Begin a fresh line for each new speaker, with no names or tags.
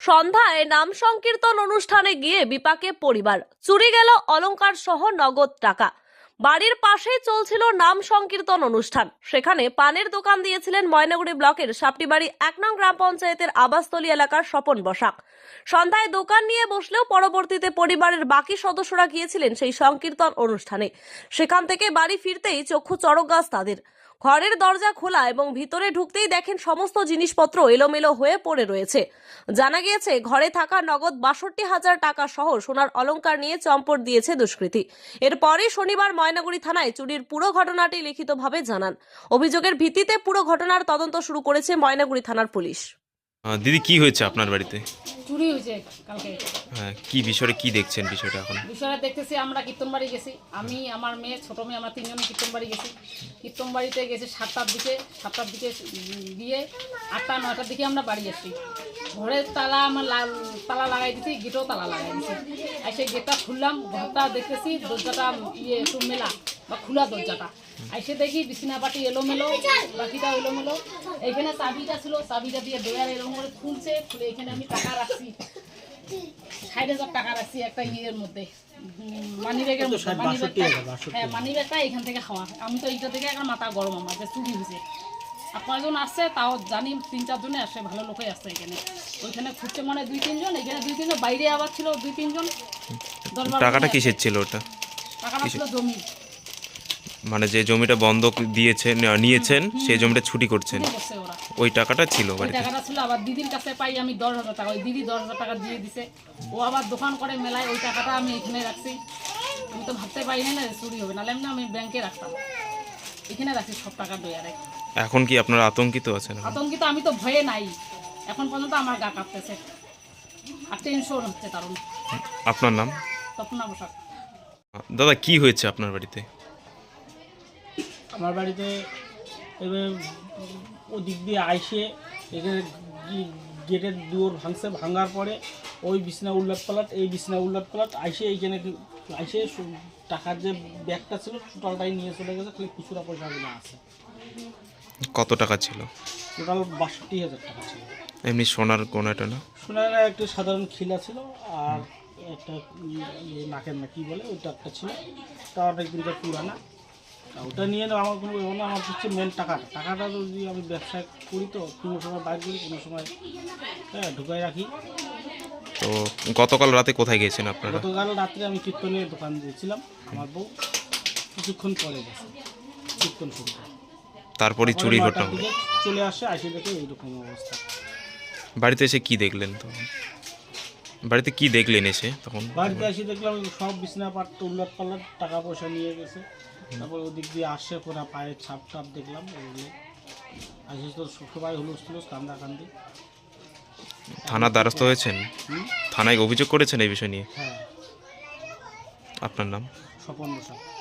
সন্ধ্যায় নাম সংকীর্তন অনুষ্ঠানে গিয়ে বিপাকে পরিবার, চুরি গেল অলংকার সহ নগদ টাকা। বাড়ির পাশেই চলছিল নাম সংকীর্তন অনুষ্ঠান। সেখানে পানের দোকান দিয়েছিলেন ময়নাগুড়ি ব্লকের সাপটিবাড়ি 1 নং গ্রাম পঞ্চায়েতের আবাসতলী এলাকার স্বপন বসাক। সন্ধ্যায় দোকান নিয়ে বসলেও পরবর্তীতে পরিবারের বাকি সদস্যরা গিয়েছিলেন সেই সংকীর্তন অনুষ্ঠানে। সেখান থেকে বাড়ি ফিরতেই চক্ষু চড়ক গাছ তাদের। ঘরের দরজা খোলা এবং ভিতরে ঢুকতেই দেখেন সমস্ত জিনিসপত্র এলোমেলো হয়ে পড়ে রয়েছে। জানা গিয়েছে ঘরে থাকা নগদ 62,000 টাকা সহ সোনার অলংকার নিয়ে চম্পট দিয়েছে দুষ্কৃতী। এরপরে শনিবার ময়নাগুড়ি থানায় চুরির পুরো ঘটনাটি লিখিতভাবে জানান। অভিযোগের ভিত্তিতে পুরো ঘটনার তদন্ত শুরু করেছে ময়নাগুড়ি থানার পুলিশ।
দিদি কি হয়েছে আপনার বাড়িতে?
চুরি হয়েছে কালকে।
হ্যাঁ, কি বিষয়ে কি দেখছেন বিষয়টা এখন?
বিষয়টা দেখতেছি, আমরা কীর্তন বাড়ি গেছি, আমি আমার মেয়ে ছোট মেয়ে আমরা তিনজন কীর্তন বাড়ি গেছি। কীর্তন বাড়িতে গেছি 7টার দিকে দিয়ে 8টা 9টার দিকে আমরা বাড়ি আসছি। ঘরের তালা আমার তালা লাগাই দিছি, গেটেও তালা লাগাই দিছি। আর সেই গেটটা খুললাম, ঘরটা দেখতেছি দরজাটা একটু মেলা বা খোলা দরজাটা। এসে দেখি বিছানা পাটি এলোমেলো, বাকিটা এলোমেলো। এইখানে চাবিটা ছিল, চাবিটা দিয়ে ডোয়ার এরকম করে খুলছে, খুলে এখানে আমি টাকা রাখছি 60,000 টাকা রাখছি একটা ইয়ের মধ্যে, মানিব্যাগের মধ্যে। হ্যাঁ, মানিব্যাগটা এখান থেকে খাওয়া। আমি তো এইটা থেকে একটা মাথা গরম আমার যে চুরি হয়েছে। আর কয়জন আসছে তাও জানি, 3-4 জনে আসছে, ভালো লোকই আসছে এখানে। ওইখানে খুঁজছে মানে 2-3 জন, এখানে 2-3 জন, বাইরে আবার ছিল 2-3 জন।
টাকাটা কিসের ছিল ওটা?
টাকাটা ছিল জমি,
মানে যে জমিটা বন্ধক দিয়েছেন নিয়েছেন সেই জমিটা ছুটি করছেন,
করছে ওরা।
ওই টাকাটা ছিল
ওই
বাড়িতে?
টাকাটা ছিল, আবার দিদির কাছে পাই আমি 10,000 টাকা। ওই দিদি 10,000 টাকা দিয়ে দিছে। ও আবার দোকান করে মেলায়, ওই টাকাটা আমি এখানে রাখছি। আমি তো ভাবতে পারিনি না চুরি হবে, নাহলে আমি ব্যাংকে রাখতাম। এখানে রাখছি সব টাকা ডয়ারে।
এখন কি আপনারা আতঙ্কিত আছেন?
আতঙ্কিত আমি তো ভয়ে নাই, এখন পর্যন্ত আমার গা কাঁপতেছে আর টেনশন হচ্ছে কারণ।
আপনার নাম?
তপনা বসাক।
দাদা কি হয়েছে আপনার বাড়িতে?
আমার বাড়িতে এবার ওদিক দিয়ে আইসে এখানে গেটের দুয়ার ভাঙার পরে ওই বিছনা উল্লাট পালাট, এই বিছনা উল্লাট পালাট আইসে এইখানে আইসে টাকার যে ব্যাগটা ছিল টোটালটাই নিয়ে চলে গেছে, খালি খুচরা পয়সাগুলো আছে।
কত টাকা ছিল?
টোটাল 62,000 টাকা ছিল।
এমনি সোনার কোনাটা না?
সোনার একটা সাধারণ খিলা ছিল, আর একটা নাকের না কি বলে ওইটা একটা ছিল, তা অনেক দিনটা পুরানা। ওটা নিয়ে আমার কোনো ব্যাপার না, আমার হচ্ছে মেন টাকাটা যদি আমি ব্যবসা করি তো কোনো সময় বাইর করি, কোনো সময় ঢুকাই রাখি।
তো গতকাল রাতে কোথায় গিয়েছেন আপনারা?
গতকাল রাত্রে আমি কীর্তনের দোকান দিয়েছিলাম, আমার বউ কিছুক্ষণ পরে গেছে কীর্তন শুরু করে।
তারপরই চুরি ঘটনা হলো।
চলে আসে, আসে দেখে এইরকম অবস্থা।
বাড়িতে এসে কি দেখলেন? তো বাড়িতে কি দেখলেন এসে তখন?
বাড়িতে এসে দেখলাম সব বিছনা পাট উল্লাট পাল্লাট, টাকা পয়সা নিয়ে গেছে। তারপর ওদিক দিয়ে আসছে পুরা পায়ের ছাপ টাপ দেখলাম। ওগুলো আসে তো সবাই হুলস্থুল কান্দাকান্দি।
থানার দ্বারস্থ হয়েছেন? থানায় অভিযোগ করেছেন এই বিষয় নিয়ে?
হ্যাঁ।
আপনার নাম?
স্বপন বসাক।